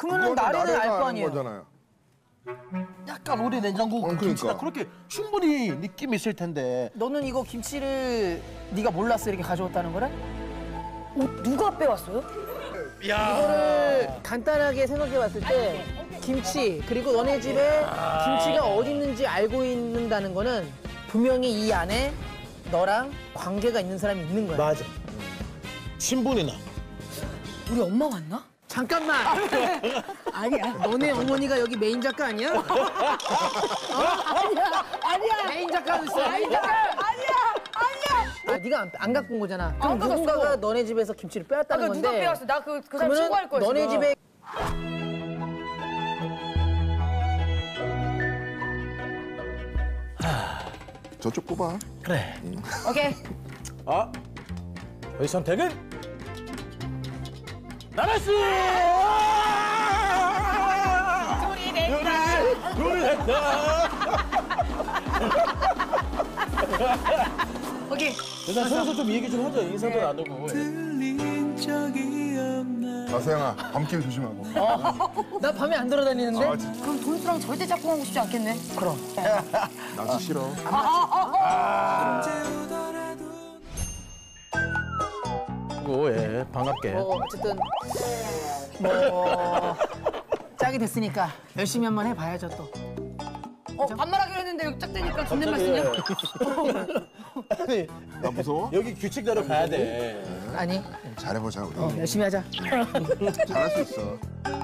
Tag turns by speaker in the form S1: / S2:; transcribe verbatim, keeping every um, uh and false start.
S1: 그러면은 나래는 알 거 아니에요.
S2: 거잖아요.
S3: 약간 오래 냉장고 그
S2: 그러니까.
S3: 김치다 그렇게 충분히 느낌이 있을 텐데.
S1: 너는 이거 김치를 네가 몰랐어 이렇게 가져왔다는 거래?
S4: 어, 누가 빼왔어요?
S1: 이거를 간단하게 생각해 봤을 때 김치 그리고 너네 집에 김치가 어디 있는지 알고 있는다는 거는 분명히 이 안에 너랑 관계가 있는 사람이 있는 거야.
S3: 맞아. 친분이 나.
S4: 우리 엄마 왔나?
S1: 잠깐만. 아니야. 너네 어머니가 여기 메인 작가 아니야? 어?
S4: 아니야, 아니야.
S1: 메인 작가도 있어. 메인 작가.
S4: 아니야, 아니야.
S1: 아, 네가 안, 안 갖고 온 거잖아. 그럼
S4: 안 갖고
S1: 누군가가
S4: 왔어.
S1: 너네 집에서 김치를 빼왔다는
S4: 아,
S1: 건데.
S4: 누가 빼왔어? 나 그 그 사람
S1: 그러면은
S4: 신고할 거야.
S1: 너네
S4: 지금.
S1: 집에
S2: 저쪽 뽑아.
S3: 그래.
S4: 오케이.
S3: 아, 저희 선택은 나라 씨.
S4: 둘이 냈다.
S3: 요리 했다.
S4: 오케이.
S3: 일단 서로서 좀 얘기 좀 하자. 인사도 나누고.
S2: 자세영아, 밤길 조심하고.
S1: 나 밤에 안 돌아다니는데?
S2: 아, 진짜.
S4: 그럼 돈수랑 절대 짝꿍하고 싶지 않겠네.
S1: 그럼.
S2: 나도 싫어.
S3: 오, 예, 반갑게.
S1: 뭐 어쨌든 뭐 짝이 됐으니까 열심히 한번 해봐야죠 또.
S4: 어, 반말하기로 했는데 여기 짝대니까 존댓말 쓰냐?
S3: 아니,
S2: 나 무서워?
S3: 여기 규칙대로 가야 돼.
S1: 아니
S2: 잘해보자, 우리.
S1: 어, 열심히 하자.
S2: 잘할 수 있어.